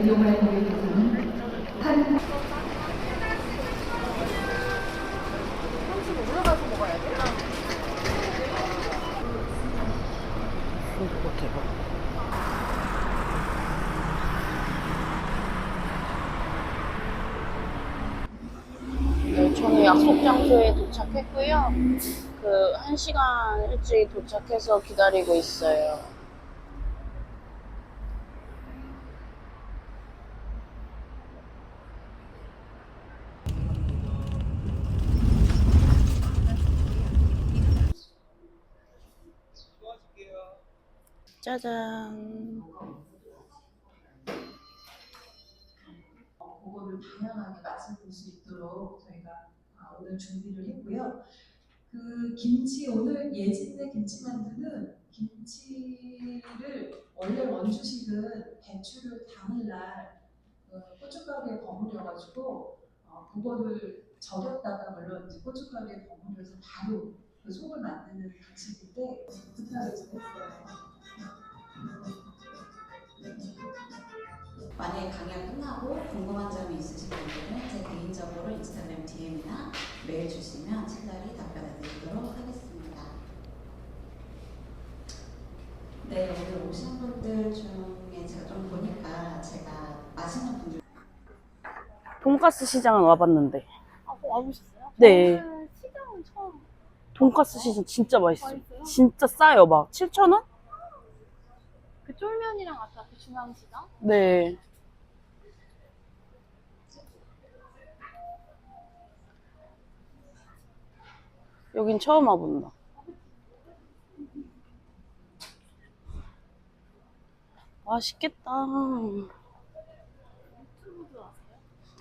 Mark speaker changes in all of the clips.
Speaker 1: 이용할 고객께서는 한
Speaker 2: 올라가서 먹어야 돼?
Speaker 3: 대박. 네, 저는 약속 장소에 도착했고요. 1시간 일찍 도착해서 기다리고 있어요. 짜잔.
Speaker 4: 그거를 다양하게 맛을 볼 수 있도록 저희가 오늘 준비를 했고요. 그 김치 오늘 예진네 김치만두는 김치를 원래 원주식은 배추를 당일날 고춧가루에 버무려가지고 그거를 절였다가 물론 이제 고춧가루에 버무려서 바로 그 속을 만드는 방식인데 부탁을 좀 했어요.
Speaker 5: 만약에 강의가 끝나고 궁금한 점이 있으신 분들은 제 개인적으로 인스타그램 DM이나 메일 주시면 친절히 답변해 드리도록 하겠습니다. 네, 오늘 오신 분들 중에 제가 좀 보니까 제가 맛있는 분들
Speaker 3: 돈가스 시장은 와봤는데.
Speaker 2: 와보셨어요?
Speaker 3: 네.
Speaker 2: 저는 시장은 처음.
Speaker 3: 돈가스 시장 진짜 맛있어요.
Speaker 2: 맛있어요?
Speaker 3: 진짜 싸요. 막 7,000원?
Speaker 2: 그 쫄면이랑 아까 그 중앙시장?
Speaker 3: 네. 여긴 처음 와본다. 맛있겠다.
Speaker 2: 유튜브도 아세요?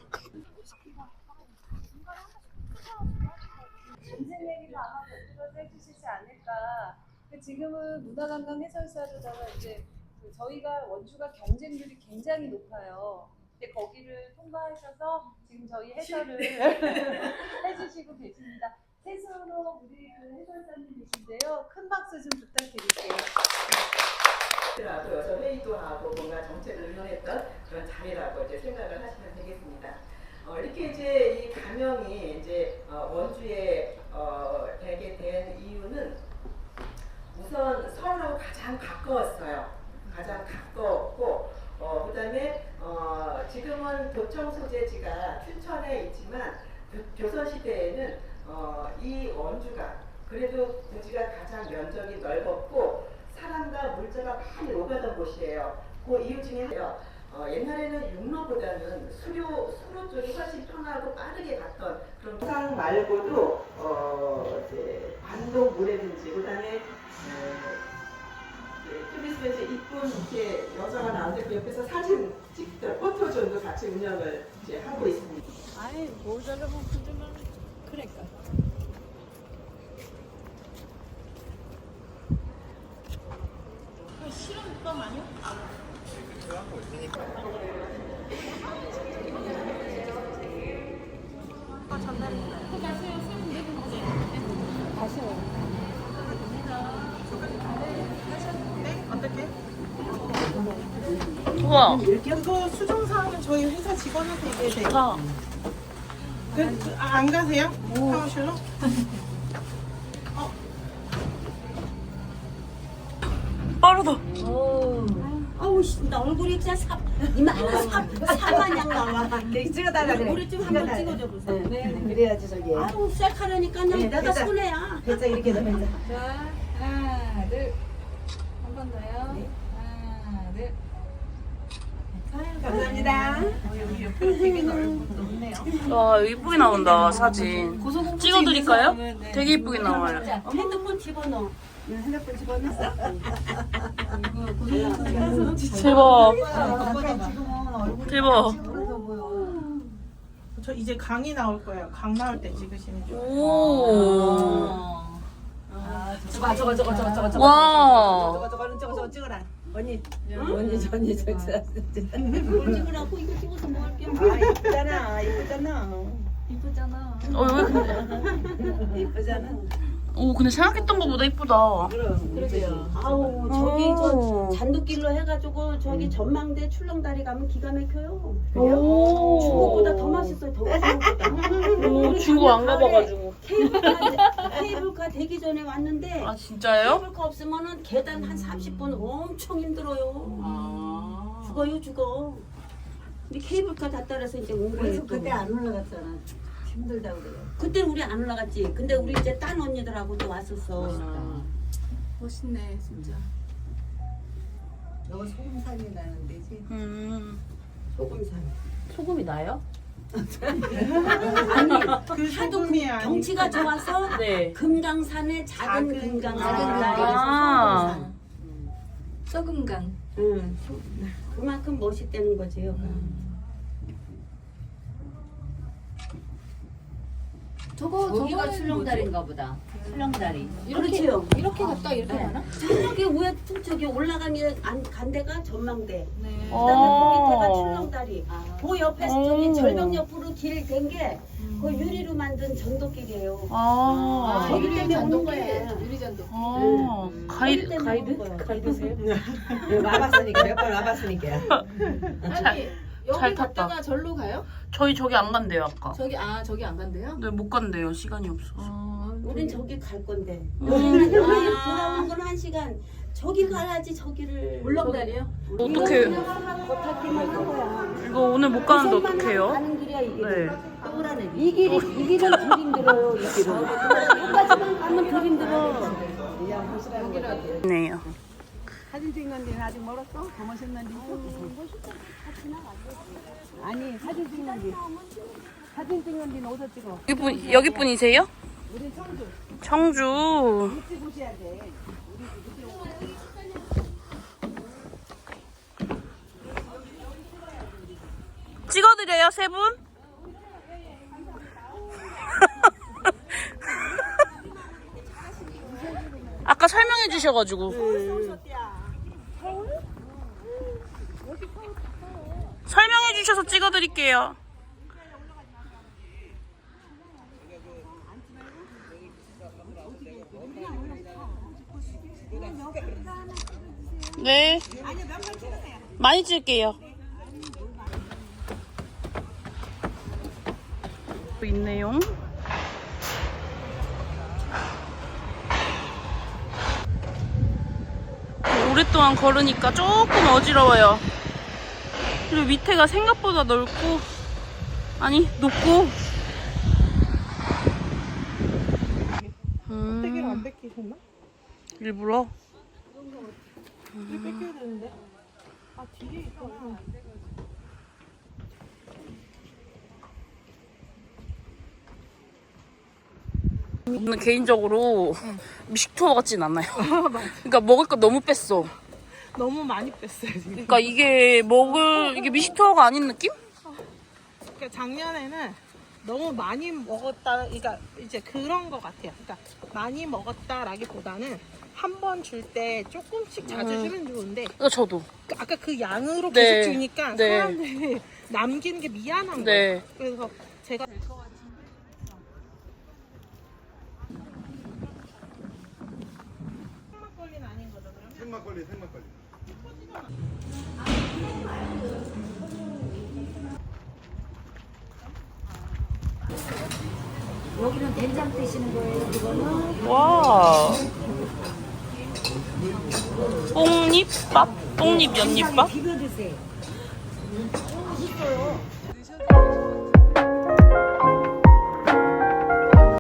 Speaker 6: 인생 얘기도 아마 곁들여서 해주시지 않을까. 지금은 문화관광 해설사로다가 이제 저희가 원주가 경쟁률이 굉장히 높아요. 근데 거기를 통과하셔서 지금 저희 해설을 해주시고 계십니다. 셋으로 우리 그 해설사님이신데요. 큰 박수 좀 부탁드릴게요.
Speaker 7: 라도 여서 회의도 하고 뭔가 정책을 의논했던 그런 자리라고 이제 생각을 하시면 되겠습니다. 이렇게 이제 이 가명이 이제 원주에 되게 된 이유는 우선 서울하고 가장 가까웠어요. 가장 가까웠고 그다음에 지금은 도청 소재지가 춘천에 있지만 조선시대에는 이 원주가 그래도 부지가 가장 면적이 넓었고 사람과 물자가 많이 오가던 곳이에요. 그 이유 중에 하나요. 옛날에는 육로보다는 수로 쪽이 훨씬 편하고 빠르게 갔던 그런 상 말고도 이제 반동 모래든지 그다음에 좀 있으면 이제 이쁜 이렇게 여자가 나오는데 그 옆에서 사진 찍던 포토존도 같이 운영을 이제 하고 있습니다.
Speaker 6: 아이 뭘 잘라면 그들만 그러니까.
Speaker 2: 실험법 아니요?
Speaker 3: 우와.
Speaker 8: 그거 수정사항은 저희 회사 직원한테 얘기해야 돼요.
Speaker 3: 아,
Speaker 8: 안 가세요? 사무실로?
Speaker 3: 빠르다.
Speaker 9: 아우 씨, 나 얼굴이 진짜 사마냥 나와.
Speaker 6: 찍어달라 그래.
Speaker 9: 우리 좀 한번 찍어줘 보세요.
Speaker 6: 네, 그래야지 저기.
Speaker 9: 아우 셀카라니까 내가 손해야.
Speaker 6: 배짱 이렇게 해서 배짱. 자, 하나, 둘. 한 번 더요. 하나, 둘. 감사합니다.
Speaker 8: 여기 옆에 되게 넓네요.
Speaker 3: 와, 이쁘게 나온다, 사진. 찍어드릴까요? 되게 이쁘게 나와요.
Speaker 9: 자, 핸드폰 집어넣어.
Speaker 6: 핸드폰 집어넣었어?
Speaker 3: 대박.
Speaker 6: 지금은
Speaker 3: 대박.
Speaker 6: 그래서 보여.
Speaker 8: 저 이제 강이 나올 거예요. 강 나올 때 찍으시면 좋아요.
Speaker 3: 오.
Speaker 6: 저거.
Speaker 3: 와.
Speaker 6: 저거 찍어라. 언니,
Speaker 9: 뭘 찍으라고 이거 찍어서 뭐 할게.
Speaker 6: 이쁘잖아.
Speaker 9: 이쁘잖아.
Speaker 3: 왜 근데?
Speaker 6: 이쁘잖아.
Speaker 3: 오, 근데 생각했던 것보다 이쁘다.
Speaker 6: 그러게요.
Speaker 9: 아우 저기 저 잔도길로 해가지고 저기 전망대 출렁다리 가면 기가 막혀요.
Speaker 3: 오.
Speaker 9: 중국보다 더 맛있어요. 더 중국보다.
Speaker 3: 오, 중국 안 가봐가지고.
Speaker 9: 케이블카 되기 전에 왔는데
Speaker 3: 아, 진짜요?
Speaker 9: 케이블카 없으면은 계단 한 30분 엄청 힘들어요. 죽어. 근데 케이블카 다 따라서 이제 온 거예요.
Speaker 10: 그래서 그때 안 올라갔잖아. 힘들다고 그래요.
Speaker 9: 그때는 우리 안 올라갔지. 근데 우리 이제 딴 언니들하고 또 왔었어.
Speaker 2: 멋있네 진짜.
Speaker 10: 너 소금산이 나는 데지.
Speaker 9: 소금산.
Speaker 3: 소금이 나요?
Speaker 9: 아니
Speaker 8: 그
Speaker 9: 하도
Speaker 8: 소금이 아니고.
Speaker 9: 경치가 좋아서
Speaker 3: 네.
Speaker 9: 금강산에 작은 금강산.
Speaker 3: 아.
Speaker 2: 썩음간.
Speaker 9: 응. 그만큼 멋있다는 거지. 여가.
Speaker 10: 저기가 출렁다리인가 보다. 출렁다리.
Speaker 9: 그렇지요.
Speaker 2: 이렇게 갔다 이렇게 가나?
Speaker 9: 저기 위에 저기 올라가면 간 데가 전망대.
Speaker 2: 네.
Speaker 9: 그다음에 그 밑에가
Speaker 3: 어.
Speaker 9: 출렁다리. 그 옆에 저기 절벽 옆으로 길 된 게 그 유리로 만든 전도길이에요.
Speaker 3: 아.
Speaker 9: 거기 때문에 오는 거예요.
Speaker 2: 유리잔도.
Speaker 3: 아. 가이드?
Speaker 9: 가이드세요?
Speaker 10: 와봤으니까 몇 번 와봤으니까.
Speaker 2: 아니 여기
Speaker 3: 잘 탔다.
Speaker 2: 갔다가 절로 가요?
Speaker 3: 저희 저기 안 간대요, 아까.
Speaker 2: 저기 안 간대요?
Speaker 3: 네, 못 간대요. 시간이 없어서.
Speaker 9: 우린 저기 갈 건데. 여기 돌아오는 건 1시간. 저기 가야지 저기를.
Speaker 2: 울렁다리요?
Speaker 3: 어떡해.
Speaker 9: 겉핥기만 한 거야.
Speaker 3: 이거 오늘 못 가는데 어떡해요?
Speaker 9: 가는 길이야 이게.
Speaker 3: 네.
Speaker 9: 이 길은 덜 힘들어요. 이 길은. 여기까지만 가면 덜 힘들어.
Speaker 3: 네요.
Speaker 10: 사진 찍는 데는 아직 멀었어? 더 멋있는 데 아니 사진 찍는 데는 어디서 찍어?
Speaker 3: 여기 분이세요?
Speaker 10: 우리 청주.
Speaker 3: 청주.
Speaker 10: 일찍 오셔야 돼.
Speaker 3: 찍어드려요, 세 분? 아까 설명해 주셔가지고. 설명해 주셔서 찍어드릴게요. 네. 많이 찍을게요. 있네요. 오랫동안 걸으니까 조금 어지러워요. 그리고 밑에가 생각보다 넓고, 아니, 높고.
Speaker 8: 껍데기를 안 뺏기셨나?
Speaker 3: 일부러?
Speaker 8: 왜 뺏겨야 되는데? 아 뒤에 있구나.
Speaker 3: 저는 개인적으로 미식 투어 같진 않아요. 그러니까 먹을 거 너무 뺐어.
Speaker 8: 너무 많이 뺐어요 지금.
Speaker 3: 그러니까 이게 미식 투어가 아닌 느낌?
Speaker 8: 그러니까 작년에는 너무 많이 먹었다, 그러니까 이제 그런 거 같아요. 그러니까 많이 먹었다라기보다는 한 번 줄 때 조금씩 자주 주면 좋은데,
Speaker 3: 저도.
Speaker 8: 아까 그 양으로
Speaker 3: 네.
Speaker 8: 계속 주니까
Speaker 3: 네.
Speaker 8: 사람들이 남기는 게 미안한
Speaker 3: 네.
Speaker 8: 거예요. 그래서 제가 생막걸리는 아닌 거죠, 그러면?
Speaker 11: 생막걸리.
Speaker 10: 여기는 된장 드시는 거예요, 그거는?
Speaker 3: 와. 뽕잎밥? 뽕잎 연잎밥?
Speaker 10: 비벼 드세요.
Speaker 8: 있어요.